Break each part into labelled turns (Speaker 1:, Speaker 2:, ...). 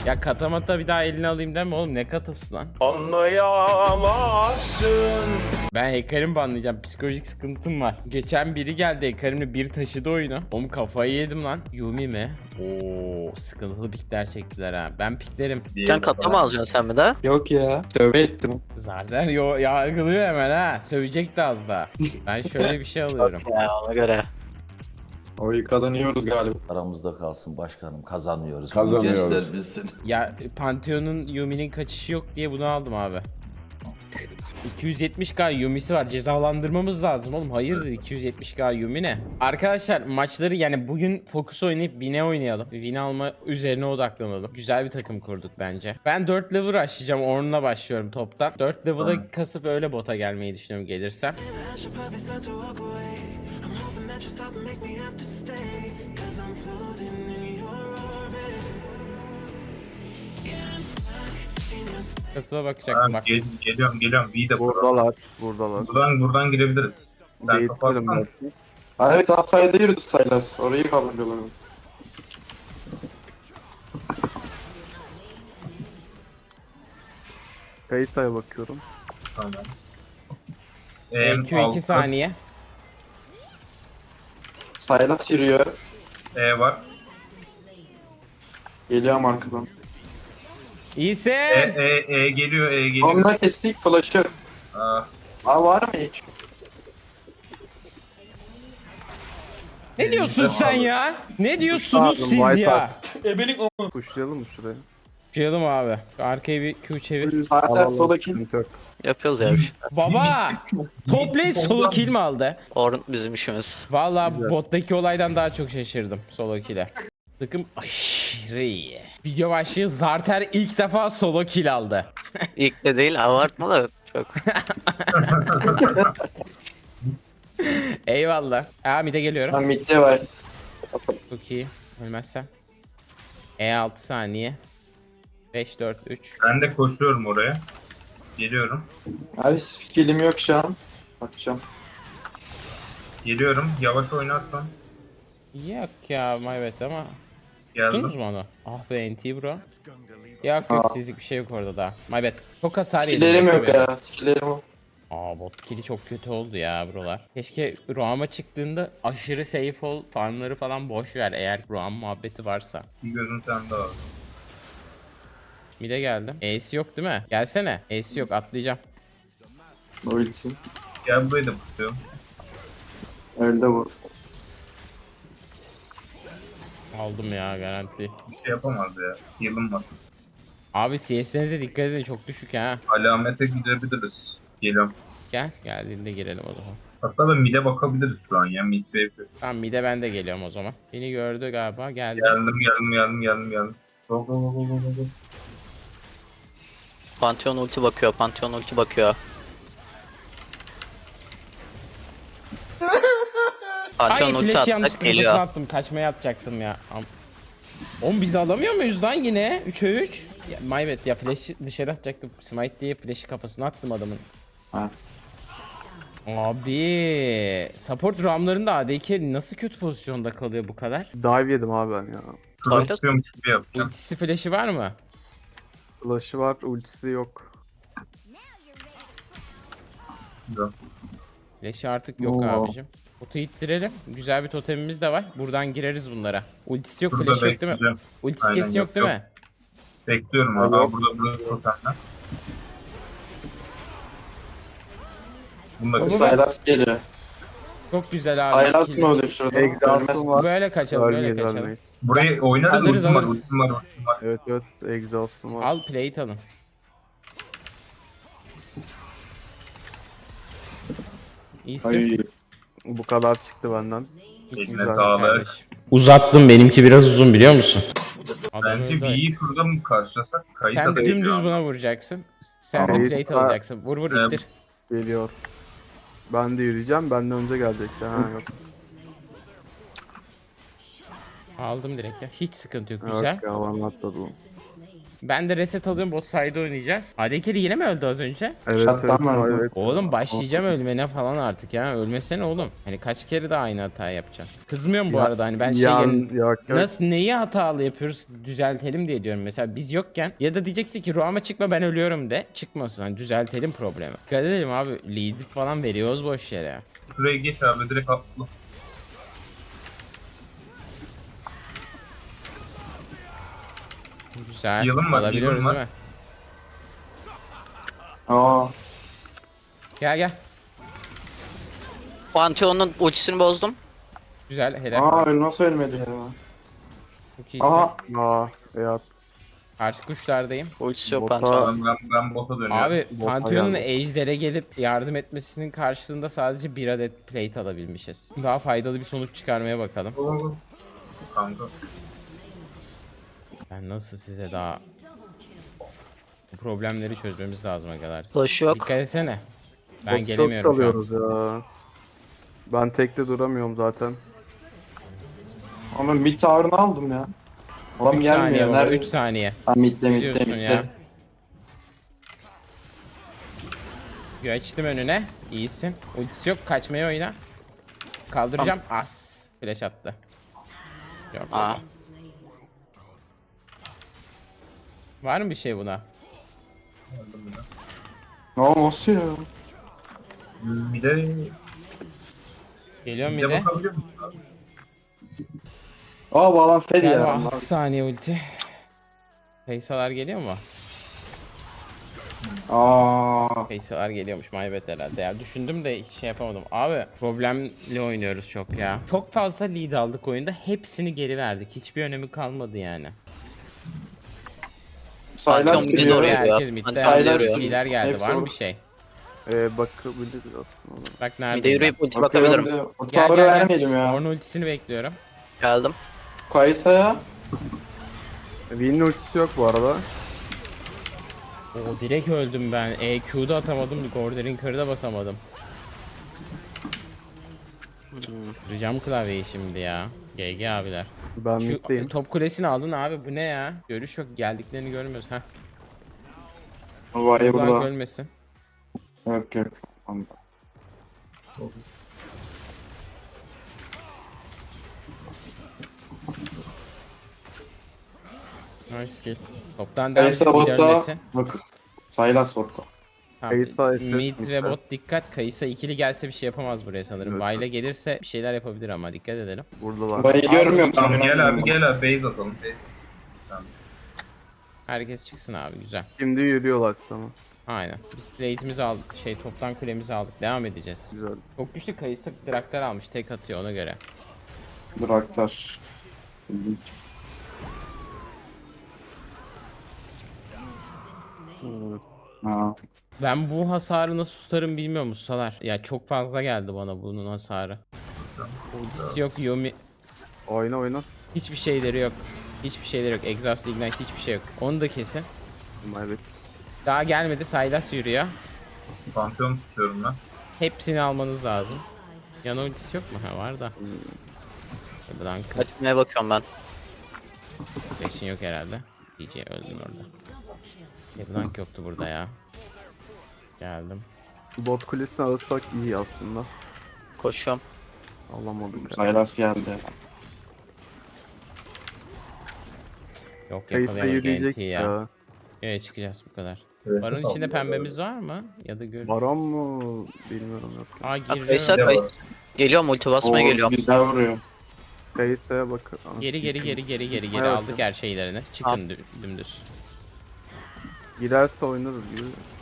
Speaker 1: Ya katamata bir daha eline alayım deme oğlum, ne katası lan?
Speaker 2: Anlayamazsın.
Speaker 1: Ben Hekarim'i banlayacağım, psikolojik sıkıntım var. Geçen biri geldi Hekarim'le bir taşıdı oyunu. Oğlum kafayı yedim lan. Yumi mi? Oo, sıkıntılı pikler çektiler ha. Ben piklerim.
Speaker 3: Sen katlama alacaksın sen mi de?
Speaker 4: Yok ya. Tövbe ettim.
Speaker 1: Zarder yargılıyor hemen ha. Sövecek de az daha. Ben şöyle bir şey alıyorum.
Speaker 3: Ya ona göre.
Speaker 4: Oyu kazanıyoruz galiba.
Speaker 2: Aramızda kalsın başkanım, kazanıyoruz.
Speaker 5: Kazanıyoruz.
Speaker 2: Gençler bilsin.
Speaker 1: Ya Pantheon'un Yumi'nin kaçışı yok diye bunu aldım abi. 270k Yumi'si var. Cezalandırmamız lazım oğlum. Hayırdır 270k Yumi ne? Arkadaşlar maçları yani bugün Focus oynayıp Win'e oynayalım. Win alma üzerine odaklanalım. Güzel bir takım kurduk bence. Ben 4 level açacağım. Ornn'la başlıyorum toptan. 4 level'a kasıp öyle bota gelmeyi düşünüyorum gelirsem. Katıla bakacaktım bak.
Speaker 6: Geliyorum. V de
Speaker 5: Buradalar.
Speaker 6: buradan girebiliriz. Ben
Speaker 5: Gate'lerim
Speaker 6: kapattım.
Speaker 5: belki.
Speaker 4: Evet, upside'e yürüdü Sylas. Orayı kaldırıyorlar.
Speaker 5: Kayısa'ya bakıyorum.
Speaker 6: Tamam.
Speaker 1: EQ 2 saniye.
Speaker 4: Sylas yürüyor.
Speaker 6: Var.
Speaker 4: Geliyorum arkadan.
Speaker 1: İyisin.
Speaker 6: Geliyor.
Speaker 4: Onunla kestik flash'ı.
Speaker 6: Aa,
Speaker 4: Var mı hiç?
Speaker 1: Ne diyorsun sen ya? Ne diyorsunuz
Speaker 5: Pardon,
Speaker 1: siz
Speaker 5: White
Speaker 1: ya?
Speaker 5: Kuşlayalım mı şuraya?
Speaker 1: Çıkalım abi. Arkaya bir Q çevir.
Speaker 4: Zaten
Speaker 5: Alalım,
Speaker 4: sola kill.
Speaker 5: sıkıntı yok.
Speaker 3: Yapıyoruz ya bir şey.
Speaker 1: Baba! Top lane solo kill mi aldı?
Speaker 3: Orn bizim işimiz.
Speaker 1: Vallahi
Speaker 5: Güzel.
Speaker 1: bottaki olaydan daha çok şaşırdım solo kill'e. Takım aşırı iyi. Video başlığı Zarter ilk defa solo kill aldı.
Speaker 3: İlk de değil abartma da çok.
Speaker 1: Eyvallah. Mid'e geliyorum.
Speaker 4: Ben midde var.
Speaker 1: Çok iyi. Ölmezsem. E6 saniye. 5 4 3.
Speaker 6: ben de koşuyorum oraya. Geliyorum.
Speaker 4: Abi skill'im yok şu an. Bakacağım.
Speaker 6: Geliyorum. Yavaş oynarsan.
Speaker 1: Yok ya maybet ama.
Speaker 6: Geldim.
Speaker 1: Tuttunuz mu onu? Ah be NT bro. Yok sizlik bir şey yok orada da. My bad. Çok hasar yedim.
Speaker 4: Skill'lerim yok
Speaker 1: bekle
Speaker 4: ya. Skill'lerim yok.
Speaker 1: Bot kill'i çok kötü oldu ya brolar. Keşke Roam'a çıktığında aşırı safe ol, farmları falan boş ver eğer Roam muhabbeti varsa.
Speaker 6: Bir gözüm sende abi.
Speaker 1: Mid'e geldim. Ace yok değil mi? Gelsene. Ace yok, atlayacağım.
Speaker 4: O için.
Speaker 6: Gel burayı da pusuyorum.
Speaker 4: Öldü bu.
Speaker 1: Aldım ya garanti.
Speaker 6: Bir şey yapamaz ya. Yılım var.
Speaker 1: Abi CS'lerinize dikkat edin, çok düşük ha.
Speaker 6: Alamete gidebiliriz. Geliyorum.
Speaker 1: Gel, geldiğinde girelim o zaman.
Speaker 6: Hatta da mid'e bakabiliriz şu an ya. Mid wave.
Speaker 1: Tamam mid'e ben de geliyorum o zaman. Beni gördü galiba, geldi.
Speaker 6: Geldim. Go.
Speaker 3: Pantheon ulti bakıyor.
Speaker 1: Ay
Speaker 3: Pantheon ulti
Speaker 1: flash
Speaker 3: attık
Speaker 1: yanlışlıkla
Speaker 3: geliyor.
Speaker 1: attım. Kaçmaya atacaktım ya. Oğlum biz alamıyor muyuz lan yine? 3'e 3. Ya, my bad ya, flash'ı dışarı atacaktım. Smite diye flash'ı kafasına attım adamın.
Speaker 4: Ha.
Speaker 1: Abi support roamlarında AD nasıl kötü pozisyonda kalıyor bu kadar?
Speaker 5: Dive yedim abi ben ya.
Speaker 6: Şurada
Speaker 3: Öyle.
Speaker 6: tutuyormuş gibi yapacağım.
Speaker 1: Ultisi flash'ı var mı?
Speaker 5: Flash'ı var, ultisi yok.
Speaker 6: Güzel.
Speaker 1: Flash'ı artık yok
Speaker 4: Oo.
Speaker 1: abicim. Botu ittirelim. Güzel bir totemimiz de var. Buradan gireriz bunlara. Ultisi yok,
Speaker 6: Şurada
Speaker 1: flash'ı yok değil mi?
Speaker 6: bekleyeceğim.
Speaker 1: Ultisi
Speaker 6: Aynen,
Speaker 1: kesin yok değil mi?
Speaker 6: Bekliyorum abi.
Speaker 4: Evet.
Speaker 6: Burada totemler. Bunu da
Speaker 1: Baba,
Speaker 4: Sylas geliyor.
Speaker 1: Çok güzel abi.
Speaker 4: Sylas mı oluyor şurada?
Speaker 5: Exhaust'um var.
Speaker 1: Böyle kaçalım, böyle
Speaker 5: Ölmeyiz,
Speaker 1: kaçalım.
Speaker 5: ölmeyiz.
Speaker 6: burayı oynarız.
Speaker 1: Alırız,
Speaker 6: Ultim var.
Speaker 1: alırız.
Speaker 5: Evet, exhaust'um var.
Speaker 1: Al plate alın. İyisin.
Speaker 4: Ay.
Speaker 5: Bu kadar çıktı benden.
Speaker 6: Eline
Speaker 5: Güzel
Speaker 6: sağlık.
Speaker 1: Kardeşim. Uzattım, benimki biraz uzun biliyor musun?
Speaker 6: Bence V'yi şurada mı karşılasak? Kayısa
Speaker 1: Sen
Speaker 6: da
Speaker 1: dümdüz
Speaker 6: geliyor.
Speaker 1: buna vuracaksın. Sen
Speaker 5: Tamam.
Speaker 1: de plate alacaksın. Vur vur
Speaker 6: Evet.
Speaker 1: ittir.
Speaker 5: Geliyor. Ben de yürüyeceğim, benden önce gelecek. Ha yok.
Speaker 1: Aldım direkt ya. Hiç sıkıntı yok. Güzel.
Speaker 5: Yok ya, bana atladı bu.
Speaker 1: Ben de reset alıyorum, bot side oynayacağız. Adekiri yine mi öldü az önce?
Speaker 5: Evet
Speaker 4: Shutdown var mı?
Speaker 5: evet.
Speaker 1: Oğlum başlayacağım ölmene falan artık ya. Ölmesene oğlum. Hani kaç kere daha aynı hatayı yapacağım. Kızmıyorum bu
Speaker 5: Ya-
Speaker 1: arada, hani ben
Speaker 5: Yok yok.
Speaker 1: nasıl neyi hatalı yapıyoruz düzeltelim diye diyorum. Mesela biz yokken ya da diyeceksin ki Ruam'a çıkma ben ölüyorum de. Çıkmasın, hani düzeltelim problemi. Dikkat edelim abi, lead falan veriyoruz boş yere.
Speaker 6: Şuraya geç abi direkt atla.
Speaker 1: Güzel.
Speaker 6: Yılın var,
Speaker 1: Alabiliyoruz
Speaker 6: yılın var.
Speaker 1: değil mi?
Speaker 4: Aa.
Speaker 1: Gel gel.
Speaker 3: Pantheon'un ultisini bozdum.
Speaker 1: Güzel, helal.
Speaker 4: Aa öyle nasıl ölmedi ya?
Speaker 1: Çok iyisin.
Speaker 4: Aha.
Speaker 5: Aa ya.
Speaker 1: Karşı kuşlardayım.
Speaker 3: Ultisi yok
Speaker 5: Bota-
Speaker 3: Pantheon'un.
Speaker 6: Ben bota dönüyorum.
Speaker 1: Abi
Speaker 5: Bota
Speaker 1: Pantheon'un
Speaker 5: geldi.
Speaker 1: Ejder'e gelip yardım etmesinin karşılığında sadece bir adet plate alabilmişiz. Daha faydalı bir sonuç çıkarmaya bakalım.
Speaker 6: Oo. Kanka.
Speaker 1: Ben nasıl size daha bu problemleri çözmemiz lazım kadar.
Speaker 3: Flash yok.
Speaker 1: Dikkat etsene. Ben
Speaker 5: Botu çok
Speaker 1: gelemiyorum şu an.
Speaker 5: salıyoruz ya. Ben tekte duramıyorum zaten.
Speaker 4: Ama mid tower'ını aldım ya. Adam
Speaker 1: 3 saniye
Speaker 4: gelmiyor.
Speaker 1: baba,
Speaker 4: Nerede?
Speaker 1: 3 saniye.
Speaker 4: Ha, midde
Speaker 1: Ne
Speaker 4: midde
Speaker 1: diyorsun
Speaker 4: midde.
Speaker 1: ya? Geçtim önüne. İyisin. Ultisi yok. Kaçmaya oyna. Kaldıracağım. As. Flash attı. Yok.
Speaker 3: Aa.
Speaker 1: yok. Var mı bir şey buna?
Speaker 4: Ne olması ya?
Speaker 6: Bir de
Speaker 1: Geliyorum
Speaker 6: bir
Speaker 1: bir
Speaker 6: de
Speaker 1: de.
Speaker 6: bakabiliyor musun abi?
Speaker 4: Aa bağlan fed
Speaker 1: Gel
Speaker 4: ya.
Speaker 1: 6 saniye ulti. Feysalar geliyor mu?
Speaker 4: Aa.
Speaker 1: Feysalar geliyormuş, my bad herhalde ya. Düşündüm de şey yapamadım. Abi problemli oynuyoruz çok ya. Çok fazla lead aldık oyunda. Hepsini geri verdik. Hiçbir önemi kalmadı yani.
Speaker 3: Pantheon
Speaker 4: Saylas
Speaker 3: mid'e
Speaker 4: geliyor.
Speaker 3: doğru
Speaker 1: Oraya
Speaker 3: yürüyor.
Speaker 1: herkes midde.
Speaker 3: Pantheon
Speaker 4: Aynen.
Speaker 1: Herkes
Speaker 3: yürüyor.
Speaker 1: lider geldi.
Speaker 4: Hepsi
Speaker 1: Var mı
Speaker 4: orada.
Speaker 1: bir şey?
Speaker 5: Bakabiliriz aslında.
Speaker 1: Bak nerede?
Speaker 3: Mid'e yürüyüp ulti
Speaker 4: Bakıyorum
Speaker 3: bakabilirim.
Speaker 4: da o
Speaker 1: Gel,
Speaker 4: tower'ı
Speaker 1: gel, gel.
Speaker 4: vermeyelim ya.
Speaker 1: Ornn ultisini bekliyorum.
Speaker 3: Geldim.
Speaker 4: Kayısa'ya.
Speaker 5: Vayne'in ultisi yok bu arada.
Speaker 1: Oo, direkt öldüm ben. EQ'da atamadım. Gorder'in kırda basamadım. Kıracağım klavyeyi şimdi ya. GG abiler.
Speaker 5: Ben
Speaker 1: Şu
Speaker 5: middeyim.
Speaker 1: top kulesini aldın abi, bu ne ya? Görüş yok, geldiklerini görmüyoruz. Heh.
Speaker 4: Vay
Speaker 1: Ulan
Speaker 4: burada.
Speaker 1: ölmesin.
Speaker 4: Yok yok. Tamam.
Speaker 1: Nice kill. Toptan devam
Speaker 4: Kayısa
Speaker 1: bir
Speaker 4: botta.
Speaker 1: dönmesin.
Speaker 4: Bak. Saylas botta.
Speaker 1: Tamam.
Speaker 5: Kayısa SS
Speaker 1: Mid ve
Speaker 5: midde.
Speaker 1: bot dikkat. Kayısa ikili gelse bir şey yapamaz buraya sanırım.
Speaker 5: Evet.
Speaker 1: Vayla gelirse bir şeyler yapabilir ama dikkat edelim.
Speaker 5: Buradalar.
Speaker 4: Burayı görmüyor musun?
Speaker 6: Tamam gel abi gel abi base atalım. Base. Sen.
Speaker 1: Herkes çıksın abi, güzel.
Speaker 5: Şimdi yürüyorlar sana.
Speaker 1: Aynen. Biz plate'imizi aldık. Toptan kulemizi aldık. Devam edeceğiz.
Speaker 5: Güzel.
Speaker 1: Çok güçlü Kayısa Draktar almış. Tek atıyor ona göre.
Speaker 4: Draktar. Ha.
Speaker 1: Ben bu hasarı nasıl tutarım bilmiyorum ustalar. Ya çok fazla geldi bana bunun hasarı. Ultisi yok, Yomi.
Speaker 5: Oyna oyna.
Speaker 1: Hiçbir şeyleri yok. Hiçbir şeyleri yok. Exhaust Ignite hiçbir şey yok. Onu da kesin.
Speaker 5: Evet.
Speaker 1: Daha gelmedi. Sylas yürüyor.
Speaker 6: Pantheon tutuyorum ben.
Speaker 1: Hepsini almanız lazım. Yan ultisi yok mu? Ha var da. Buradan
Speaker 3: Kaçmaya bakıyorum ben.
Speaker 1: flash'in yok herhalde. DJ öldün orada. Leblanc yoktu burada ya. Geldim.
Speaker 5: Bot kulesini alırsak iyi aslında.
Speaker 3: Koşuyorum.
Speaker 5: Alamadık. ya.
Speaker 4: Saylas geldi.
Speaker 1: Yok
Speaker 5: Kayısa
Speaker 1: yakalayamadık
Speaker 5: yürüyecek
Speaker 1: NT ya.
Speaker 5: ya.
Speaker 1: Evet çıkacağız bu kadar.
Speaker 6: Evet,
Speaker 1: Baron
Speaker 6: tamam.
Speaker 1: içinde pembemiz var mı? Ya da gör.
Speaker 5: Baron mu? Bilmiyorum yok.
Speaker 1: Aa girdi.
Speaker 3: Kayısa
Speaker 6: Devam.
Speaker 3: kayısa. Geliyorum ulti basmaya
Speaker 4: Oo,
Speaker 3: geliyorum.
Speaker 4: güzel vuruyor.
Speaker 5: Kayısa'ya bak.
Speaker 1: Geri
Speaker 5: Evet.
Speaker 1: aldık her şeylerini. Çıkın dümdüz.
Speaker 5: Girerse oynarız gibi.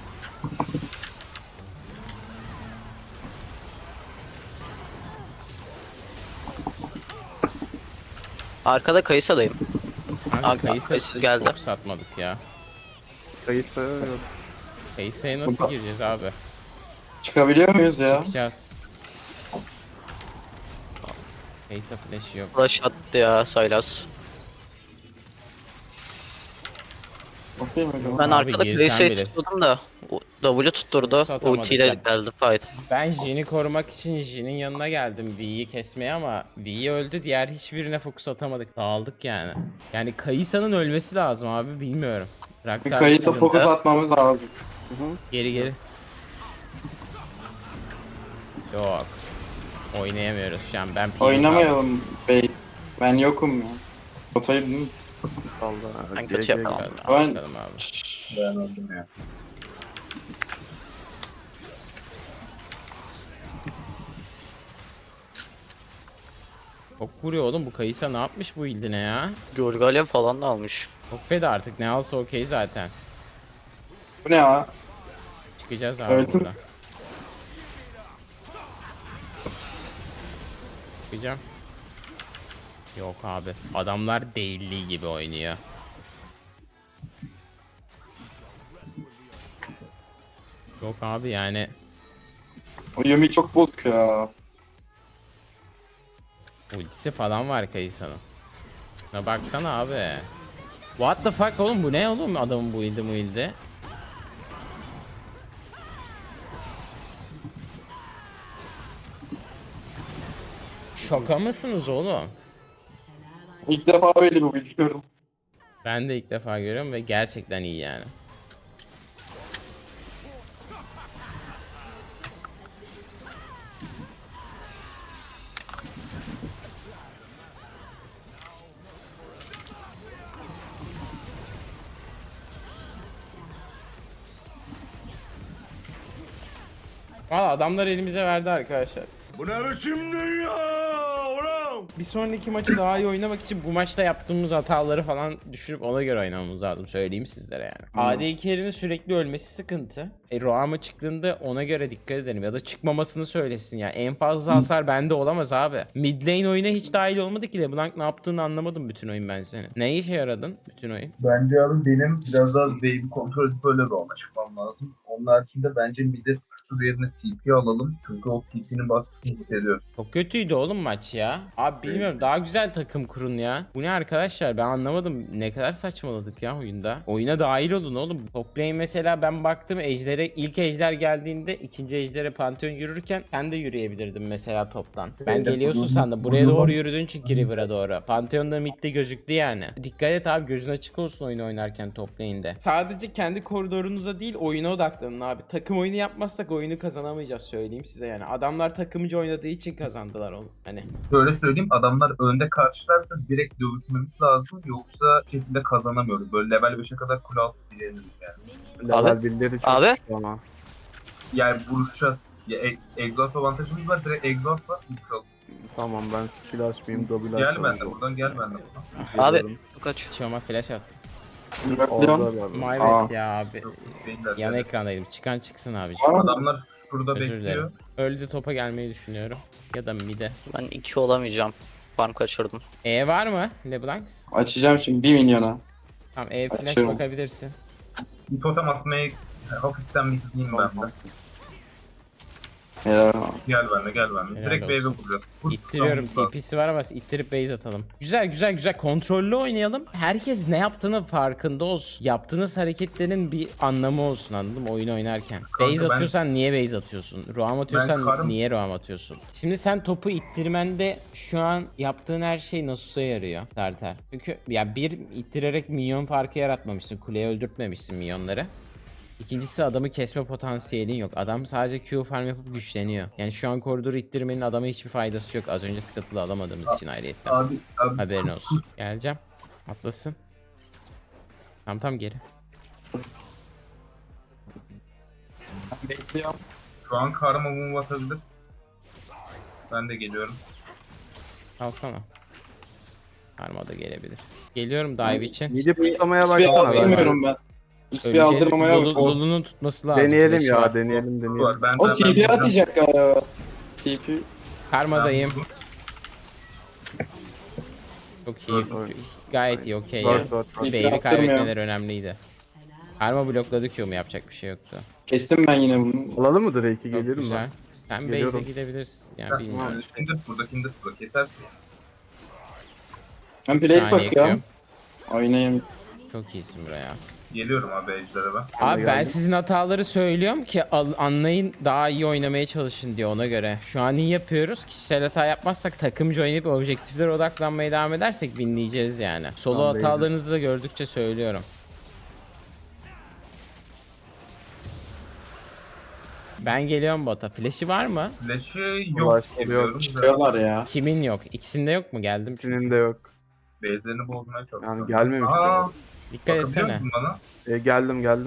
Speaker 3: Arkada Kayısa'dayım.
Speaker 1: Kanka
Speaker 3: Kanka,
Speaker 1: Kayısa
Speaker 3: Kayısa geldi.
Speaker 1: çok satmadık ya.
Speaker 5: Kayısa'ya yok.
Speaker 1: Kayısa'ya nasıl
Speaker 4: Burada.
Speaker 1: gireceğiz abi?
Speaker 4: Çıkabiliyor muyuz ya?
Speaker 1: Çıkacağız. Kayısa flash yok.
Speaker 3: Flash attı ya Sylas.
Speaker 4: Okey mi acaba?
Speaker 3: Ben
Speaker 1: Abi
Speaker 3: arkada
Speaker 1: girsen
Speaker 3: Kayısa'yı
Speaker 1: bile.
Speaker 3: tutuyordum da W tutturdu.
Speaker 1: Satamadık
Speaker 3: Ultiyle
Speaker 1: ya.
Speaker 3: geldi fight.
Speaker 1: Ben Jin'i korumak için Jin'in yanına geldim V'yi kesmeye ama V öldü, diğer hiçbirine fokus atamadık. Dağıldık yani. Yani Kayısa'nın ölmesi lazım abi, bilmiyorum. Raktar
Speaker 4: Kayısa
Speaker 1: sıkıntı.
Speaker 4: fokus atmamız lazım.
Speaker 1: Geri geri. Yok. Oynayamıyoruz şu an. Ben PvP
Speaker 4: Oynamayalım bey. Ben yokum ya. Rotayı değil mi?
Speaker 5: Allah.
Speaker 3: Ben kötü
Speaker 5: GG.
Speaker 3: yapamam.
Speaker 1: Bakalım abi.
Speaker 6: Ben öldüm ya.
Speaker 1: Çok vuruyor oğlum bu Kayısa, ne yapmış bu ildine ya?
Speaker 3: Gölgalev falan da almış.
Speaker 1: Çok feda artık, ne alsa okey zaten.
Speaker 4: Bu ne ya?
Speaker 1: Çıkacağız abi
Speaker 4: Öldüm.
Speaker 1: burada. Çıkacağım. Yok abi. Adamlar değilliği gibi oynuyor. Yok abi yani.
Speaker 4: O Yumi çok bozuk ya.
Speaker 1: Ultisi falan var Kayısa'nın. Şuna baksana abi. What the fuck oğlum, bu ne oğlum adamın bu ildi. Şaka mısınız oğlum?
Speaker 4: İlk defa böyle bir build gördüm.
Speaker 1: Ben de ilk defa görüyorum ve gerçekten iyi yani. Valla adamlar elimize verdi arkadaşlar.
Speaker 7: Bu ne biçim dünya oğlum?
Speaker 1: Bir sonraki maçı daha iyi oynamak için bu maçta yaptığımız hataları falan düşünüp ona göre oynamamız lazım, söyleyeyim sizlere yani. AD carry'nin sürekli ölmesi sıkıntı. Roam'a çıktığında ona göre dikkat edelim ya da çıkmamasını söylesin ya. En fazla hasar bende olamaz abi. Mid lane oyuna hiç dahil olmadı ki, LeBlanc ne yaptığını anlamadım bütün oyun ben senin. Ne işe yaradın bütün oyun?
Speaker 6: Bence abi benim biraz daha wave'i kontrol edip öyle roam'a çıkmam lazım. Onun haricinde bence mid'e tutuştur yerine TP alalım. Çünkü o TP'nin baskısını hissediyoruz.
Speaker 1: Çok kötüydü oğlum maç ya. Abi bilmiyorum, daha güzel takım kurun ya. Bu ne arkadaşlar, ben anlamadım. Ne kadar saçmaladık ya oyunda. Oyuna dahil olun oğlum. Top lane mesela, ben baktım ejder'e, ilk ejder geldiğinde ikinci ejder'e Pantheon yürürken sen de yürüyebilirdin mesela toptan. Ben
Speaker 6: Evet,
Speaker 1: geliyorsun sandım. Buraya doğru yürüdün çünkü River'a doğru. Pantheon da midde gözüktü yani. Dikkat et abi, gözün açık olsun oyunu oynarken top lane'de. Sadece kendi koridorunuza değil oyuna odaklanın abi. Takım oyunu yapmazsak oyunu kazanamayacağız, söyleyeyim size yani. Adamlar takımcı oynadığı için kazandılar oğlum. Hani
Speaker 6: Şöyle söyleyeyim, adamlar önde karşılarsa direkt dövüşmemiz lazım. Yoksa şekilde kazanamıyoruz. Böyle level 5'e kadar kule altı diyebiliriz yani.
Speaker 5: Level
Speaker 3: Abi,
Speaker 5: birileri çok
Speaker 3: abi.
Speaker 5: güçlü ama.
Speaker 6: Yani vuruşacağız. Ya exhaust avantajımız var. Direkt exhaust bas vuruşalım.
Speaker 5: Tamam, ben skill açmayayım, double
Speaker 6: Gel
Speaker 5: açmayayım.
Speaker 6: benden buradan, gel benden buradan.
Speaker 3: Abi
Speaker 5: Geliyorum.
Speaker 3: kaç.
Speaker 1: Çoma flash at.
Speaker 4: Bırakıyorum.
Speaker 5: Orada abi.
Speaker 1: My
Speaker 4: Aa.
Speaker 1: bad ya abi.
Speaker 6: Yok, değiller.
Speaker 1: Yan ekrandaydım. Çıkan çıksın abi.
Speaker 6: Adamlar şurada
Speaker 1: Özür
Speaker 6: bekliyor.
Speaker 1: dilerim. Öldü, topa gelmeyi düşünüyorum. Ya da mid'e.
Speaker 3: Ben 2 olamayacağım. Farm kaçırdım.
Speaker 1: E var mı LeBlanc?
Speaker 4: Açacağım şimdi 1 milyona.
Speaker 1: Tamam, E flash
Speaker 4: Açıyorum.
Speaker 1: bakabilirsin.
Speaker 6: Bir totem atmaya hafiften bir gideyim ben de.
Speaker 4: Ya.
Speaker 6: Gel benimle, gel benimle.
Speaker 1: Helal
Speaker 6: Direkt wave'e
Speaker 1: olsun.
Speaker 6: vuracağız. Full
Speaker 1: İttiriyorum,
Speaker 6: tutamamız lazım.
Speaker 1: TP'si var ama ittirip base atalım. Güzel güzel güzel, kontrollü oynayalım. Herkes ne yaptığının farkında olsun. Yaptığınız hareketlerin bir anlamı olsun, anladın mı oyun oynarken.
Speaker 6: Kanka
Speaker 1: Base
Speaker 6: ben-
Speaker 1: atıyorsan niye base atıyorsun? Roam atıyorsan
Speaker 6: karım-
Speaker 1: niye roam atıyorsun? Şimdi sen topu ittirmende şu an yaptığın her şey Nasus'a yarıyor Tartar. Çünkü ya bir, ittirerek minyon farkı yaratmamışsın. Kuleye öldürtmemişsin minyonları. İkincisi, adamı kesme potansiyelin yok. Adam sadece Q farm yapıp güçleniyor. Yani şu an koridoru ittirmenin adama hiçbir faydası yok. Az önce Scuttle'ı alamadığımız için ayrıyetten.
Speaker 6: Abi
Speaker 1: Haberin olsun. Geleceğim. Atlasın. Tam geri.
Speaker 4: Bekliyorum.
Speaker 6: şu an karma move atabilir. Ben de geliyorum.
Speaker 1: Alsana. Karma da gelebilir. Geliyorum dive için.
Speaker 5: Midi puşlamaya
Speaker 4: Hiçbir
Speaker 5: baksana ben.
Speaker 4: aldırmıyorum ben. Hiçbir aldırmamaya bak.
Speaker 1: Lulu'nun tutması lazım.
Speaker 5: Deneyelim
Speaker 1: Flash'ı
Speaker 5: ya,
Speaker 1: var.
Speaker 5: deneyelim.
Speaker 6: Var. Ben
Speaker 4: O TP atacak ya. TP.
Speaker 1: Karmadayım.
Speaker 6: Ben-
Speaker 1: Çok iyi. Gayet iyi, okey ya.
Speaker 5: Dört.
Speaker 1: Wave'i
Speaker 4: Attırmıyor.
Speaker 1: kaybetmeler önemliydi. Karma blokladı Q'mu, yapacak bir şey yoktu.
Speaker 4: Kestim ben yine bunu.
Speaker 5: Alalım mı Drake'i,
Speaker 1: Çok
Speaker 5: gelirim
Speaker 1: güzel.
Speaker 5: ben.
Speaker 1: Sen base'e
Speaker 5: Geliyorum.
Speaker 1: gidebilirsin. Yani bilmiyorum.
Speaker 6: Kindred burada kesersin.
Speaker 4: Ben place
Speaker 1: Saniye
Speaker 4: bakıyorum.
Speaker 1: ekliyorum.
Speaker 4: Oynayayım.
Speaker 1: Çok iyisin buraya.
Speaker 6: Geliyorum abi ejder'e ben.
Speaker 1: Abi ben
Speaker 5: geldim.
Speaker 1: sizin hataları söylüyorum ki anlayın, daha iyi oynamaya çalışın diye, ona göre. Şu an iyi yapıyoruz. Kişisel hata yapmazsak, takımcı oynayıp objektiflere odaklanmaya devam edersek winleyeceğiz yani. Solo
Speaker 5: Tamam,
Speaker 1: hatalarınızı da gördükçe söylüyorum. Ben geliyorum bota. Flash'i var mı?
Speaker 6: Flash'ı
Speaker 5: Flash
Speaker 6: yok
Speaker 5: yok.
Speaker 6: biliyorum.
Speaker 4: Çıkıyorlar ya.
Speaker 1: Kimin yok? İkisinde yok mu? Geldim.
Speaker 5: İkisinin de yok.
Speaker 6: Base'lerini bozmaya çalışıyorum.
Speaker 5: Yani gelmemiş.
Speaker 6: Aa,
Speaker 1: Dikkat
Speaker 6: bakabiliyor
Speaker 1: etsene.
Speaker 6: musun bana?
Speaker 5: Geldim.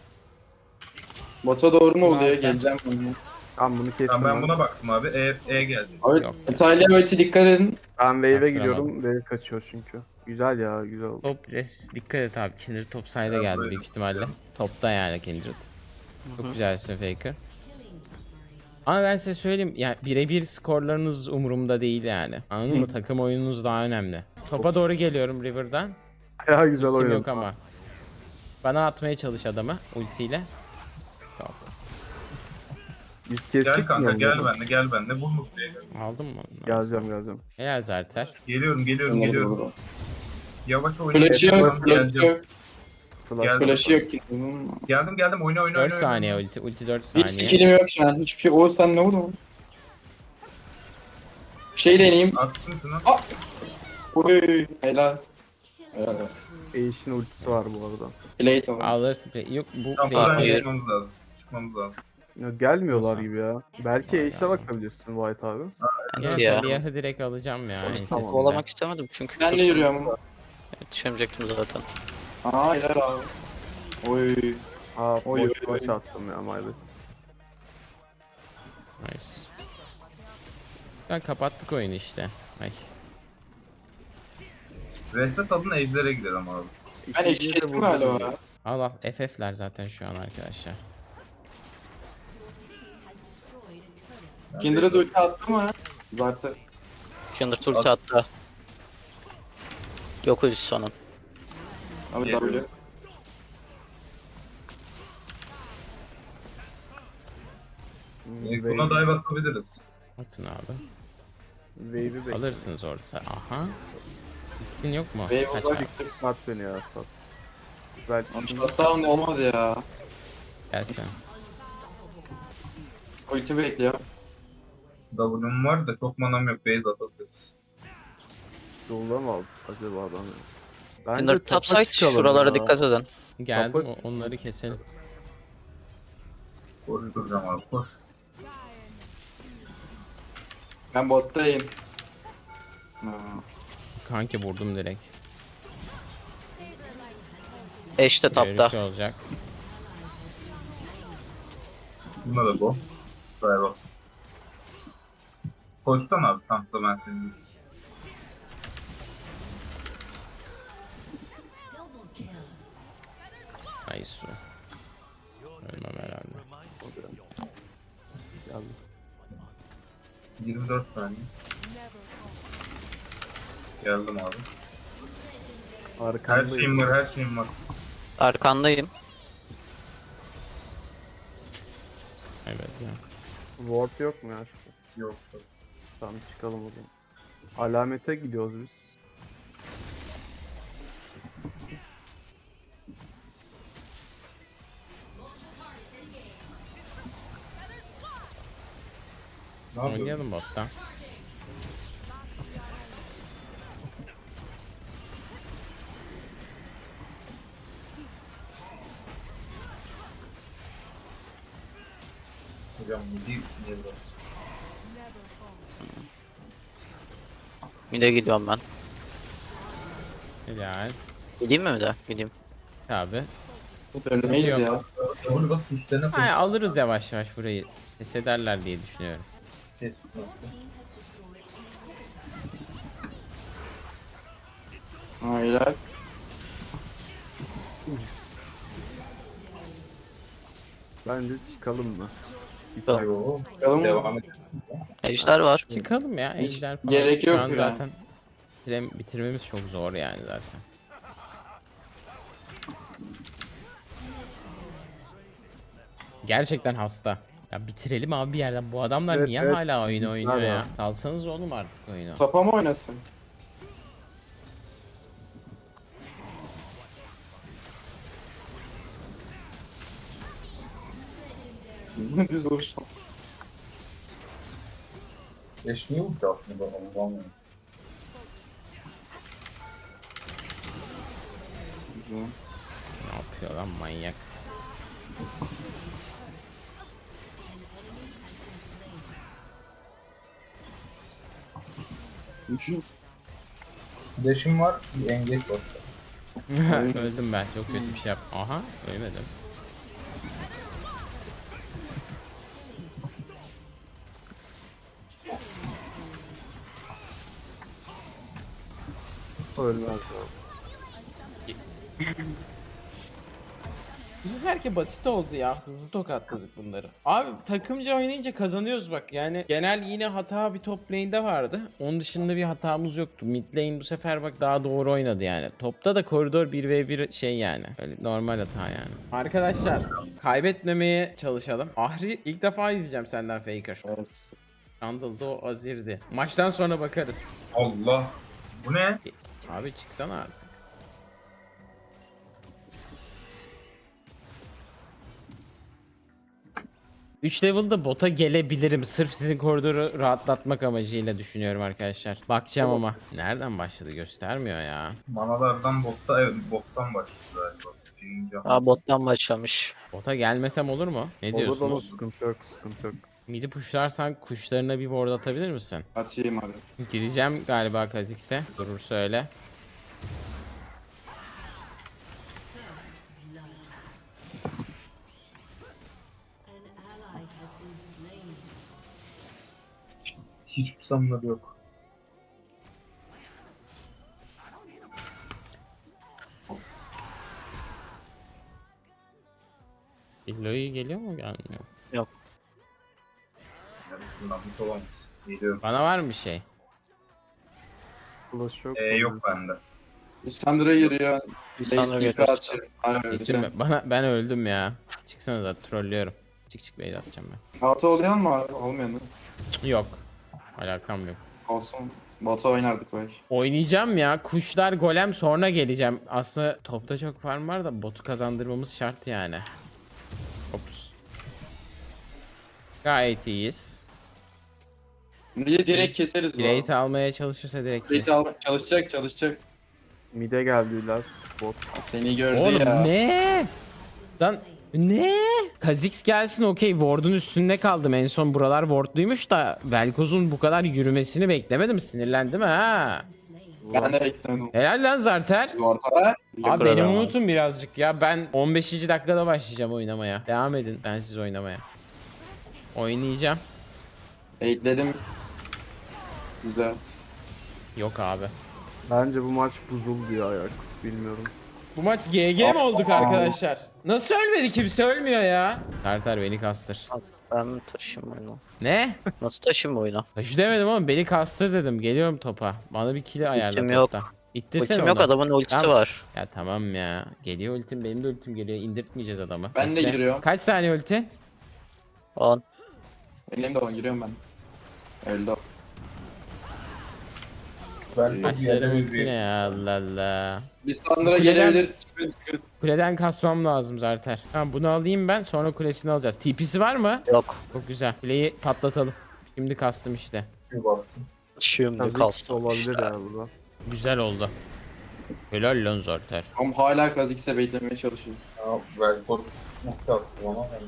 Speaker 4: Bota doğru mu
Speaker 1: Ulan
Speaker 4: oluyor?
Speaker 1: sen-
Speaker 4: Geleceğim ben.
Speaker 5: Tamam bunu kestim.
Speaker 6: Tamam ben
Speaker 5: ben.
Speaker 6: buna baktım abi. E geldi.
Speaker 4: Abi
Speaker 1: Yok.
Speaker 4: İtalya ulti dikkat edin.
Speaker 5: Ben wave'e
Speaker 1: Yaptıramadım.
Speaker 5: gidiyorum. Wave kaçıyor çünkü. Güzel ya güzel oldu.
Speaker 1: Top res. Dikkat et abi. Kindred top side'a
Speaker 6: Ya,
Speaker 1: geldi
Speaker 6: böyle.
Speaker 1: büyük ihtimalle. Topta yani Kindred. Çok güzelsin Faker. Ama ben size söyleyeyim yani birebir skorlarınız umurumda değil yani. Anladın mı? Takım oyununuz daha önemli. Topa doğru geliyorum River'dan.
Speaker 5: Ya güzel
Speaker 1: Kim
Speaker 5: oynadı.
Speaker 1: yok ama. Bana atmaya çalış adamı ultiyle. Yok.
Speaker 5: Biz kestik
Speaker 6: Gel
Speaker 5: mi
Speaker 6: kanka
Speaker 5: onu?
Speaker 6: gel benimle. Vur Mutlu'ya gel.
Speaker 1: Aldın mı?
Speaker 5: Geleceğim.
Speaker 1: Helal Zarter.
Speaker 6: Geliyorum. Yavaş oyna.
Speaker 4: Flash'ı yok, flash'ı
Speaker 6: Geleceğim.
Speaker 4: yok.
Speaker 5: Flash.
Speaker 6: Geldim.
Speaker 4: Flash'ı yok ki.
Speaker 6: Geldim. Oyna.
Speaker 1: 4 saniye ulti. Ulti 4
Speaker 4: Hiç
Speaker 1: saniye.
Speaker 4: skill'im yok şu an. Hiçbir şey. Oğuz sen ne oldu? Bir şey deneyeyim.
Speaker 6: Attım şunu.
Speaker 4: Oy helal. Helal.
Speaker 5: Ashe'in ultisi var bu arada.
Speaker 4: Plate oldu.
Speaker 1: Alırsın. Yok bu
Speaker 6: Tamam
Speaker 1: play.
Speaker 6: buradan
Speaker 3: Hayır.
Speaker 6: çıkmamız lazım.
Speaker 5: Ya gelmiyorlar
Speaker 1: Nasıl?
Speaker 5: gibi ya. Belki Ashe'e bakabilirsin White abi.
Speaker 3: Evet
Speaker 1: Ya.
Speaker 3: ya.
Speaker 1: Siyahı direkt alacağım ya. ensesinden.
Speaker 3: Kovalamak istemedim çünkü.
Speaker 4: Ben de yürüyorum.
Speaker 3: Yetişemeyecektim zaten.
Speaker 4: Aa helal abi. Oy.
Speaker 5: Aa
Speaker 4: Oy,
Speaker 5: boş
Speaker 4: oy,
Speaker 5: boş
Speaker 4: oy.
Speaker 5: attım ya maalesef.
Speaker 1: Nice. Ben kapattık oyunu işte. Ay.
Speaker 6: Reset alın ejder'e gidelim abi.
Speaker 4: Ben
Speaker 5: İkinciyi de
Speaker 4: eşittim
Speaker 5: vurdum.
Speaker 4: galiba.
Speaker 1: Al al FF'ler zaten şu an arkadaşlar.
Speaker 4: Kindred'e ulti attı mı? Zaten.
Speaker 3: Kindred ulti attı. Yok ulti sonun.
Speaker 4: Abi
Speaker 6: Geliyorum.
Speaker 4: W.
Speaker 6: Buna dive atabiliriz.
Speaker 1: Atın abi.
Speaker 5: Wave'i bekle.
Speaker 1: Alırsınız orada. Aha. Ultin yok mu?
Speaker 4: Wave
Speaker 1: Kaç
Speaker 4: uzak
Speaker 1: abi?
Speaker 4: gittik.
Speaker 5: Sat beni ya sat. Belki
Speaker 4: Shutdown olmadı ya.
Speaker 1: Gelsin.
Speaker 4: Ulti bekliyor.
Speaker 6: W'm var da çok manam yok. Base atabiliriz.
Speaker 5: yolda mı aldık acaba adam? Bence
Speaker 3: Kindred
Speaker 5: topa
Speaker 3: topside
Speaker 5: çıkalım
Speaker 3: şuralara
Speaker 5: ya.
Speaker 3: dikkat edin.
Speaker 1: Geldim
Speaker 5: Kapat.
Speaker 1: onları keselim.
Speaker 6: Koşturacağım abi koş.
Speaker 4: Ben bottayım. Ha.
Speaker 1: Kanki vurdum direkt.
Speaker 3: Ashe de tapta.
Speaker 1: Görüşü olacak.
Speaker 6: Buna da bu. Dive at. Koşsana abi tankla ben seni.
Speaker 1: Ay su. Ölmem herhalde.
Speaker 5: Geldim.
Speaker 6: 24 saniye. Geldim abi. Her
Speaker 5: Arkandayım.
Speaker 6: her şeyim var.
Speaker 3: Arkandayım.
Speaker 1: Evet ya.
Speaker 5: Ward yok mu ya?
Speaker 6: Yok.
Speaker 5: Tamam çıkalım o zaman. Alamete gidiyoruz biz.
Speaker 6: Ne yapıyorsun?
Speaker 1: Oynayalım bottan.
Speaker 6: Hocam bu değil. Niye böyle?
Speaker 3: Mid'e gidiyorum ben.
Speaker 1: Helal.
Speaker 3: Gideyim mi mid'e? Gideyim.
Speaker 1: Abi.
Speaker 4: Ölmeyiz ya.
Speaker 6: Onu bas üstlerine koy.
Speaker 1: Ay, alırız yavaş yavaş burayı. Pes ederler diye düşünüyorum.
Speaker 6: Kes.
Speaker 4: Ha helal.
Speaker 5: Bence çıkalım mı?
Speaker 6: Yo.
Speaker 4: Bakalım.
Speaker 6: Devam et.
Speaker 3: Ejder var.
Speaker 1: Çıkalım ya.
Speaker 4: Hiç
Speaker 1: Ejder falan.
Speaker 4: gerek
Speaker 1: Şu
Speaker 4: yok
Speaker 1: an
Speaker 4: ya.
Speaker 1: zaten bitirmemiz çok zor yani zaten. Gerçekten hasta. Ya bitirelim abi bir yerden. Bu adamlar
Speaker 5: Evet,
Speaker 1: niye
Speaker 5: evet.
Speaker 1: hala oyun oynuyor
Speaker 5: Hala.
Speaker 1: ya? Salsanız oğlum artık oyunu.
Speaker 4: Topa mı oynasın? Düz vuruş.
Speaker 6: Geçmiyor mu ki aslında Allah'ım ya.
Speaker 4: Güzel.
Speaker 1: Ne yapıyor lan manyak?
Speaker 6: Flash'im var, bir engage var.
Speaker 1: Öldüm ben. Çok kötü bir şey yaptım. Aha ölmedim.
Speaker 5: Ölmez ya.
Speaker 1: Bu seferki basit oldu ya. Hızlı tokatladık bunları. Abi takımca oynayınca kazanıyoruz bak. Yani genel yine hata bir top lane'de vardı. Onun dışında bir hatamız yoktu. Mid lane bu sefer bak daha doğru oynadı yani. Topta da koridor 1v1 şey yani. Öyle normal hata yani. Arkadaşlar kaybetmemeye çalışalım. Ahri ilk defa izleyeceğim senden Faker.
Speaker 4: Evet.
Speaker 1: Randall'da o Azir'di. Maçtan sonra bakarız.
Speaker 6: Allah. Bu ne?
Speaker 1: Abi çıksana artık. Üç level'da bota gelebilirim. Sırf sizin koridoru rahatlatmak amacıyla düşünüyorum arkadaşlar. Bakacağım ama. Nereden başladı göstermiyor ya.
Speaker 6: Manalardan botta, evet bottan başladı galiba. Birinci hamle.
Speaker 3: Aa bottan başlamış.
Speaker 1: Bota gelmesem olur mu? Ne
Speaker 5: Olur olur,
Speaker 1: diyorsunuz?
Speaker 5: sıkıntı yok, sıkıntı yok.
Speaker 1: Midi pushlarsan kuşlarına bir ward atabilir misin?
Speaker 4: Açayım abi.
Speaker 1: Gireceğim galiba Kha'Zix'e. Durursa öyle.
Speaker 6: Hiçbir sanımları yok.
Speaker 1: Illoy geliyor mu gelmiyor?
Speaker 6: Yani şundan hiç olamaz. Geliyorum.
Speaker 1: Bana var mı bir şey?
Speaker 5: Flash yok.
Speaker 6: Yok bende.
Speaker 4: Lissandra giriyor.
Speaker 3: Lissandra
Speaker 4: Base
Speaker 3: geliyor.
Speaker 4: açıyor. Aynen öyle.
Speaker 1: Kesin mi? Ben öldüm ya. Çıksana da trollüyorum. Çık beyler atacağım ben.
Speaker 4: Batu oluyor mu abi? Olmuyor mu?
Speaker 1: Yok. Alakam yok.
Speaker 4: Olsun. Batu oynardık belki.
Speaker 1: Oynayacağım ya. Kuşlar golem sonra geleceğim. Aslında topta çok farm var da botu kazandırmamız şart yani. Ops. Gayet iyiyiz.
Speaker 4: Niye direkt keseriz bu
Speaker 1: Plate almaya çalışırsa direkt.
Speaker 4: arada. Plate al. Çalışacak.
Speaker 5: Mid'e geldiler. Bot.
Speaker 4: Seni gördü
Speaker 1: Oğlum
Speaker 4: ya.
Speaker 1: ne? Lan ne? Kha'Zix gelsin okey. Ward'un üstünde kaldım. En son buralar wardluymuş da Velkoz'un bu kadar yürümesini beklemedim. Sinirlendim ha.
Speaker 4: Ben de beklemedim.
Speaker 1: Helal lan Zarter.
Speaker 4: Ortada.
Speaker 1: Abi beni
Speaker 3: Yukarıda.
Speaker 1: unutun birazcık ya. Ben 15. dakikada başlayacağım oynamaya. Devam edin ben siz oynamaya. Oynayacağım.
Speaker 4: Eğitledim. Güzel.
Speaker 1: Yok abi.
Speaker 5: Bence bu maç buzuldu ya Yakut. Bilmiyorum.
Speaker 1: Bu maç GG mi olduk arkadaşlar? Nasıl ölmedi kimse ölmüyor ya. Tartar beni kastır.
Speaker 3: Ben mi taşıyayım oyunu?
Speaker 1: Ne?
Speaker 3: Nasıl taşıyayım oyunu?
Speaker 1: Taşı demedim ama beni kastır dedim. Geliyorum topa. Bana bir kill ayarla
Speaker 3: Ultim yok.
Speaker 1: topta. İttirsene
Speaker 3: Ultim
Speaker 1: onu.
Speaker 3: yok, adamın ultisi
Speaker 1: Tamam.
Speaker 3: var.
Speaker 1: Ya tamam ya. Geliyor ultim, benim de ultim geliyor. İndirtmeyeceğiz adamı.
Speaker 4: Ben de
Speaker 1: Bekle.
Speaker 4: giriyorum.
Speaker 1: Kaç saniye ulti?
Speaker 3: 10.
Speaker 4: Elimde o giriyorum ben. Öldü o.
Speaker 6: Ben de bir
Speaker 1: Maçların
Speaker 6: yere
Speaker 1: ulti ne ya Allah Allah.
Speaker 4: Lissandra
Speaker 1: Kuleden-
Speaker 4: gelebilir. Çıkın.
Speaker 1: Kuleden kasmam lazım zaten. Tamam bunu alayım ben sonra kulesini alacağız. TP'si var mı?
Speaker 3: Yok.
Speaker 1: Çok güzel. Kuleyi patlatalım. Şimdi kastım işte.
Speaker 6: bir baktım.
Speaker 3: Şimdi
Speaker 5: Kha'Zix
Speaker 3: kastım
Speaker 5: olabilir
Speaker 3: işte.
Speaker 5: ya burada.
Speaker 1: Güzel oldu. Helal lan Zarter.
Speaker 4: Ama hala Kha'Zix'e beklemeye çalışıyor.
Speaker 6: Ya Velkor nokta attı ama ben...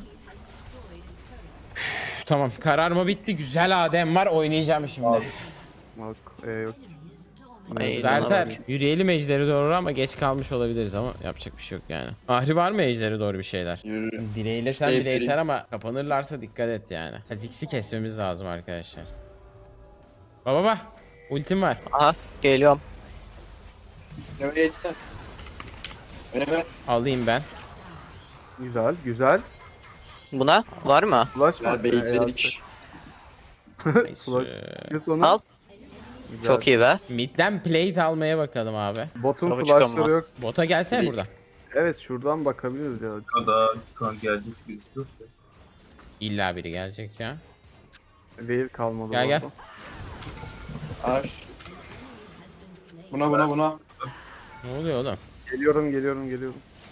Speaker 1: Tamam kararma bitti. Güzel Adem var oynayacağım şimdi.
Speaker 5: Bak yok.
Speaker 3: Ay,
Speaker 1: Zarter
Speaker 3: inanamadım.
Speaker 1: yürüyelim ejderi doğru ama geç kalmış olabiliriz ama yapacak bir şey yok yani. Ahri var mı ejderi doğru bir şeyler?
Speaker 4: Yürü.
Speaker 1: Dileğiyle sen
Speaker 4: Şey
Speaker 1: bile
Speaker 4: vereyim.
Speaker 1: yeter ama kapanırlarsa dikkat et yani. Kha'Zix'i kesmemiz lazım arkadaşlar. Baba ultim var.
Speaker 3: Aha geliyorum.
Speaker 4: Önüme geçsen. Önüme.
Speaker 1: Alayım ben.
Speaker 5: Güzel, güzel.
Speaker 3: Buna var mı?
Speaker 5: Flash
Speaker 4: Ya
Speaker 5: var.
Speaker 4: baitledik.
Speaker 5: Flash. Kes onu.
Speaker 3: Al.
Speaker 5: Güzel.
Speaker 3: Çok iyi be.
Speaker 1: Midden plate almaya bakalım abi.
Speaker 5: Botun
Speaker 3: Tabii
Speaker 5: flashları
Speaker 3: çıkamam.
Speaker 5: yok.
Speaker 1: Bota gelsene
Speaker 4: Bir-
Speaker 1: burada.
Speaker 5: Evet şuradan bakabiliriz ya.
Speaker 6: Ya da şu an gelecek birisi yok ya.
Speaker 1: İlla biri gelecek ya.
Speaker 5: Wave kalmadı.
Speaker 1: Gel, gel.
Speaker 5: orada.
Speaker 4: Aş. Buna.
Speaker 1: Ne oluyor oğlum?
Speaker 5: Geliyorum.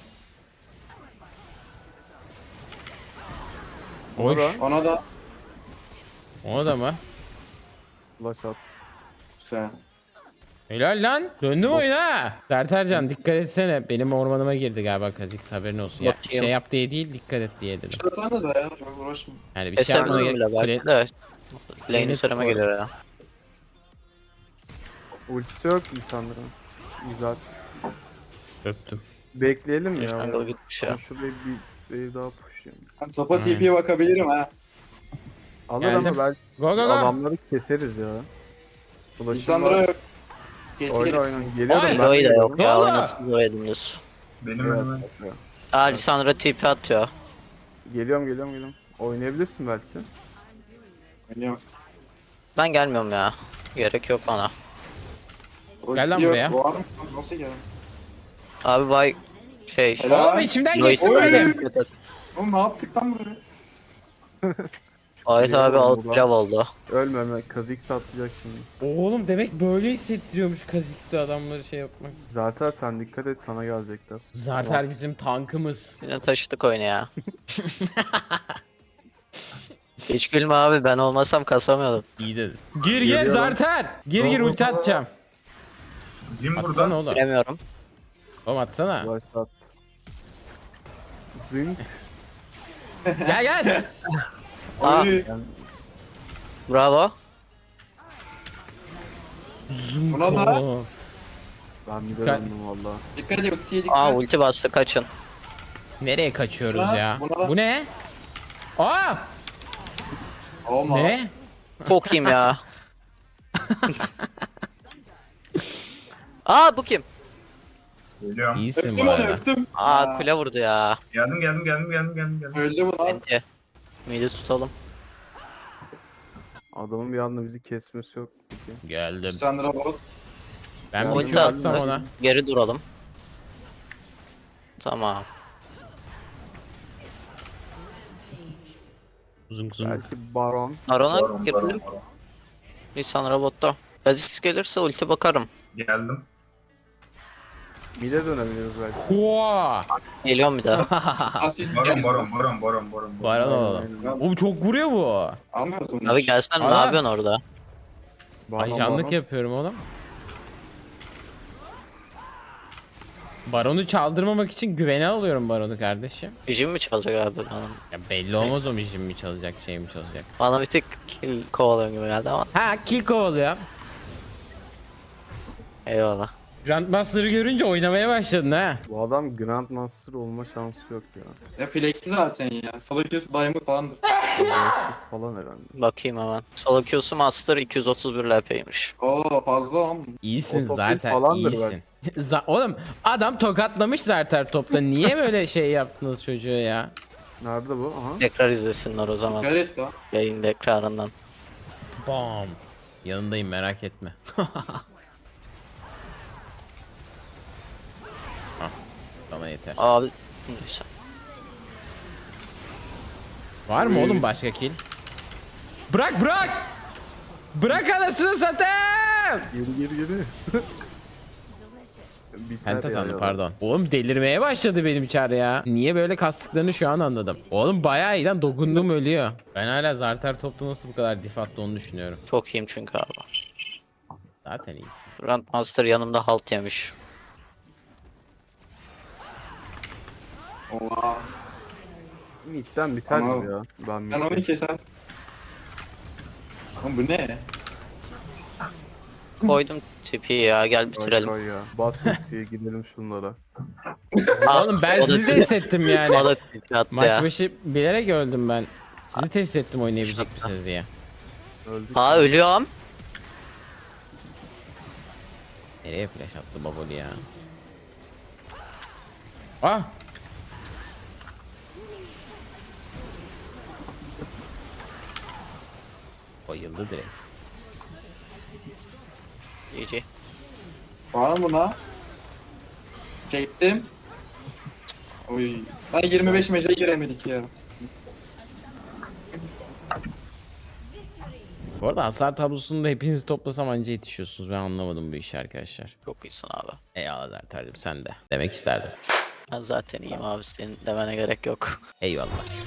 Speaker 1: Hoş.
Speaker 5: Orada.
Speaker 4: Ona da.
Speaker 1: O da mı?
Speaker 5: Flash at.
Speaker 4: Güzel.
Speaker 1: Helal lan. Döndüm oyuna. Sertercan dikkat etsene. Benim ormanıma girdi galiba Kha'Zix haberin olsun. Ya,
Speaker 3: Bakayım.
Speaker 1: şey yap diye değil dikkat et diye dedim.
Speaker 4: Şurasana da ya. Çok uğraşma.
Speaker 1: Yani bir şey yapmana
Speaker 3: Kesebilirim
Speaker 1: gerek
Speaker 3: bile belki de. Lane
Speaker 1: Lane'i
Speaker 3: üzerime
Speaker 1: koy.
Speaker 3: geliyor ya.
Speaker 5: Ultisi yok insanların. Güzel.
Speaker 1: Öptüm.
Speaker 5: Bekleyelim ya.
Speaker 3: Jungle gitmiş ya.
Speaker 5: Ben şuraya bir daha pushlayayım.
Speaker 4: Ben topa
Speaker 1: Aynen.
Speaker 4: TP'ye bakabilirim ha.
Speaker 5: Alır
Speaker 1: Geldim.
Speaker 5: ama belki
Speaker 1: Go go go.
Speaker 5: adamları keseriz ya. Ulaşım
Speaker 4: İnsanlara
Speaker 5: var.
Speaker 4: yok. Gerisi
Speaker 5: Oyna
Speaker 4: gelir.
Speaker 5: oyna. Geliyorum
Speaker 1: Oy.
Speaker 5: ben.
Speaker 3: Eloy da yok
Speaker 1: Ne
Speaker 3: ya
Speaker 1: oldu?
Speaker 3: oynatın buraya dümdüz.
Speaker 6: Benim
Speaker 5: Evet,
Speaker 6: önüme.
Speaker 5: evet.
Speaker 3: Aa Lisandra TP atıyor.
Speaker 5: Geliyorum. Oynayabilirsin belki.
Speaker 4: Oynuyor.
Speaker 3: Ben gelmiyorum ya. Gerek yok bana.
Speaker 1: Gel lan
Speaker 4: Yok,
Speaker 1: buraya.
Speaker 4: Var mı? Nasıl gelin?
Speaker 3: Abi bay şey.
Speaker 4: Helal.
Speaker 1: Oğlum içimden
Speaker 3: Eloy
Speaker 1: geçti
Speaker 4: Oy.
Speaker 1: böyle.
Speaker 4: Oğlum ne yaptık lan buraya?
Speaker 3: Ayet abi
Speaker 5: Geliyorum
Speaker 3: alt
Speaker 5: buradan.
Speaker 3: pilav oldu.
Speaker 5: Ölme. Kazix atlayacak şimdi.
Speaker 1: Oğlum demek böyle hissettiriyormuş Kha'Zix'te adamları şey yapmak.
Speaker 5: Zaten sen dikkat et sana gelecekler.
Speaker 1: Zarter bizim tankımız.
Speaker 3: Yine taşıdık oyunu ya. Hiç gülme abi, ben olmasam kasamıyordum.
Speaker 1: İyi dedin. Gir
Speaker 5: Geliyorum.
Speaker 1: Zarter. Gir ulti atacağım.
Speaker 6: Jim
Speaker 1: Atsana
Speaker 6: burada.
Speaker 1: oğlum.
Speaker 3: Bilemiyorum.
Speaker 1: Oğlum atsana.
Speaker 5: Başlat. Zing.
Speaker 1: Gel.
Speaker 3: Aa.
Speaker 4: Oy.
Speaker 3: Bravo.
Speaker 4: Buna da
Speaker 1: Oo.
Speaker 5: Ben bir de
Speaker 1: Dikkat.
Speaker 5: döndüm valla.
Speaker 4: dikkat et. Ultiye dikkat.
Speaker 3: Aa ulti bastı, kaçın.
Speaker 1: Nereye kaçıyoruz
Speaker 4: Buna-
Speaker 1: ya?
Speaker 4: buna-
Speaker 1: Bu ne? Aa!
Speaker 4: Olma.
Speaker 1: Ne?
Speaker 3: Çok iyiyim ya. Aa bu kim?
Speaker 6: Geliyorum.
Speaker 1: İyisin bu
Speaker 4: Öptüm onu
Speaker 1: arada.
Speaker 4: öptüm.
Speaker 3: Aa kule vurdu ya.
Speaker 6: Geldim.
Speaker 4: Öldü bu lan.
Speaker 3: Bence. Midi tutalım.
Speaker 5: Adamın bir anda bizi kesmesi yok. Peki.
Speaker 1: Geldim.
Speaker 4: Sandra bot.
Speaker 1: Ben
Speaker 5: Ulti
Speaker 1: bir Q atsam
Speaker 3: attı.
Speaker 1: ona.
Speaker 3: Geri duralım. Tamam.
Speaker 1: Uzun uzun.
Speaker 5: Belki Baron.
Speaker 3: Arona girelim. Lisan robotta. Kha'Zix gelirse ulti bakarım.
Speaker 6: Geldim.
Speaker 5: Mid'e dönebiliriz belki.
Speaker 1: Oha!
Speaker 3: Geliyorum bir daha.
Speaker 4: Asist
Speaker 6: Baron.
Speaker 4: geldi.
Speaker 1: Baron alalım.
Speaker 4: Aynen.
Speaker 1: Oğlum çok vuruyor bu.
Speaker 4: Almıyoruz onu.
Speaker 3: Abi gelsen ne
Speaker 1: Aa.
Speaker 3: yapıyorsun orada?
Speaker 1: Ajanlık yapıyorum oğlum. Baronu çaldırmamak için güvene alıyorum Baron'u kardeşim.
Speaker 3: Jim mi çalacak abi?
Speaker 1: Ya belli olmaz o mijim mi çalacak şey mi çalacak.
Speaker 3: Bana bir tık kill kovalıyor gibi geldi ama.
Speaker 1: Ha kill kovalıyor.
Speaker 3: Eyvallah.
Speaker 1: Grandmaster'ı görünce oynamaya başladın ha.
Speaker 5: Bu adam Grandmaster olma şansı yok ya.
Speaker 4: Ya flexi zaten ya. Solo Q'su Diamond falandır.
Speaker 5: Plastik falan herhalde.
Speaker 3: Bakayım hemen. Solo Q'su Master 231 LP'ymiş.
Speaker 4: Oo fazla lan.
Speaker 1: İyisin
Speaker 5: Otopil
Speaker 1: zaten
Speaker 5: falandır
Speaker 1: iyisin. Oğlum adam tokatlamış Zarter topta. Niye böyle şey yaptınız çocuğa ya?
Speaker 5: Nerede bu? Aha.
Speaker 3: Tekrar izlesinler o zaman.
Speaker 4: Dikkat et lan.
Speaker 3: Yayın tekrarından.
Speaker 1: Bam. Yanındayım merak etme. Hah, sana yeter.
Speaker 3: Abi neyse.
Speaker 1: Var mı oğlum başka kill? Bırak! Bırak anasını satayım!
Speaker 5: Geri. Biter
Speaker 1: Penta
Speaker 5: ya
Speaker 1: sandım
Speaker 5: ya.
Speaker 1: pardon. Oğlum delirmeye başladı benim çar ya. Niye böyle kastıklarını şu an anladım. Oğlum bayağı iyi lan dokundum ölüyor. Ben hala Zarter topta nasıl bu kadar diff attı onu düşünüyorum.
Speaker 3: Çok iyiyim çünkü abi.
Speaker 1: Zaten iyisin.
Speaker 3: Grandmaster yanımda halt yemiş.
Speaker 4: Oha.
Speaker 5: Mid'den biter
Speaker 4: Ama-
Speaker 5: mi ya? Ben
Speaker 4: Sen
Speaker 5: mid'den.
Speaker 4: onu kesersin. Oğlum bu ne?
Speaker 3: Koydum tipi ya, gel bitirelim.
Speaker 5: Koy ya. Bas ultiye gidelim şunlara.
Speaker 1: Oğlum ben
Speaker 3: O da
Speaker 1: sizi de hissettim yani.
Speaker 3: O da tipi attı
Speaker 1: Maç
Speaker 3: ya.
Speaker 1: başı bilerek öldüm ben. Sizi test ettim oynayabilecek misiniz diye.
Speaker 5: Öldük.
Speaker 3: Ha ölüyorum.
Speaker 1: Nereye flash attı baboli ya? Ah! Bayıldı direkt.
Speaker 3: GG.
Speaker 4: Var mı buna? Çektim. Oy. Ben 25 meşe giremedik ya.
Speaker 1: Bu arada hasar tablosunda hepinizi toplasam anca yetişiyorsunuz. Ben anlamadım bu işi arkadaşlar.
Speaker 3: Çok iyisin abi.
Speaker 1: Eyvallah Zerter'cim sen de. Demek isterdim.
Speaker 3: Ben zaten iyiyim abi, senin demene gerek yok.
Speaker 1: Eyvallah.